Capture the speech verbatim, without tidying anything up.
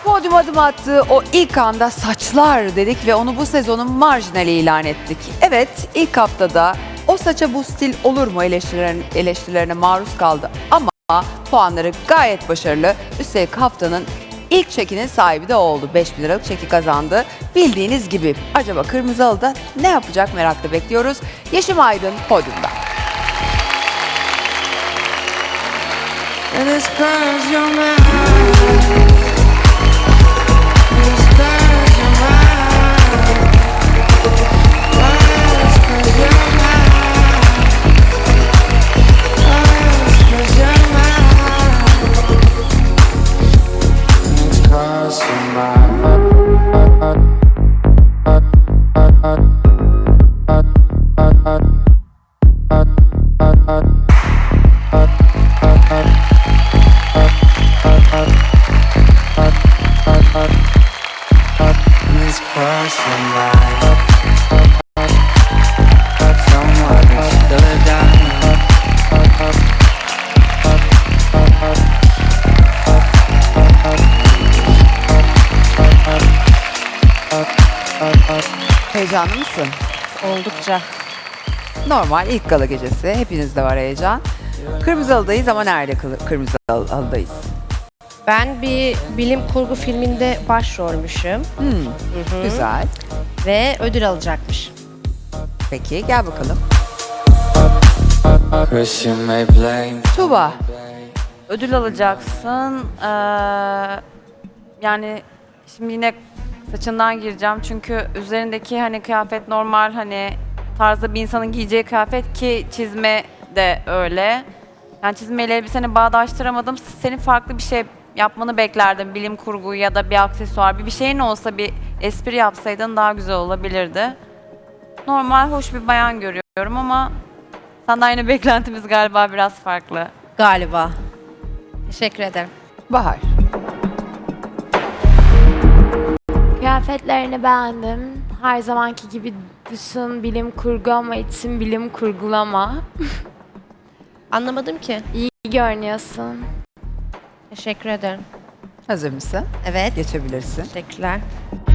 podyum adım attığı o ilk anda saçlar dedik ve onu bu sezonun marjinali ilan ettik. Evet, ilk haftada o saça bu stil olur mu eleştirilerine, eleştirilerine maruz kaldı ama puanları gayet başarılı. Üstelik haftanın ilk çekinin sahibi de oldu. beş bin liralık çeki kazandı. Bildiğiniz gibi acaba Kırmızı Halı'da ne yapacak merakla bekliyoruz. Yeşim Aydın podyumda. And it's 'cause you're mine. It's 'cause you're mine. Oh, it's 'cause you're mine. Oh, it's 'cause you're mine. It's 'cause you're mine. It's 'cause you're mine. Someone who stood down. Heyecanlı mısın? Oldukça. Normal ilk gala gecesi. Hepinizde var heyecan. Kırmızı Halı'dayız ama nerede kılı- Kırmızı Halı- Halı'dayız? Ben bir bilim kurgu filminde başrolmüşüm Hmm, güzel. ve ödül alacakmış. Peki gel bakalım. 'Cause you may blame. Tuba. Ödül alacaksın. Ee, yani şimdi yine saçından gireceğim çünkü üzerindeki hani kıyafet normal hani tarzda bir insanın giyeceği kıyafet ki çizme de öyle. Yani çizmeyle elbiseni bağdaştıramadım. Senin farklı bir şey yapmanı beklerdim. Bilim kurgu ya da bir aksesuar, bir bir şeyin olsa bir espri yapsaydın daha güzel olabilirdi. Normal hoş bir bayan görüyorum ama senden yine beklentimiz galiba biraz farklı. Galiba. Teşekkür ederim. Bahar. Kıyafetlerini beğendim. Her zamanki gibi dışın bilim kurgu ama için bilim kurgulama. Anlamadım ki. İyi görünüyorsun. Teşekkür ederim. Hazır mısın? Evet. Geçebilirsin. Teşekkürler.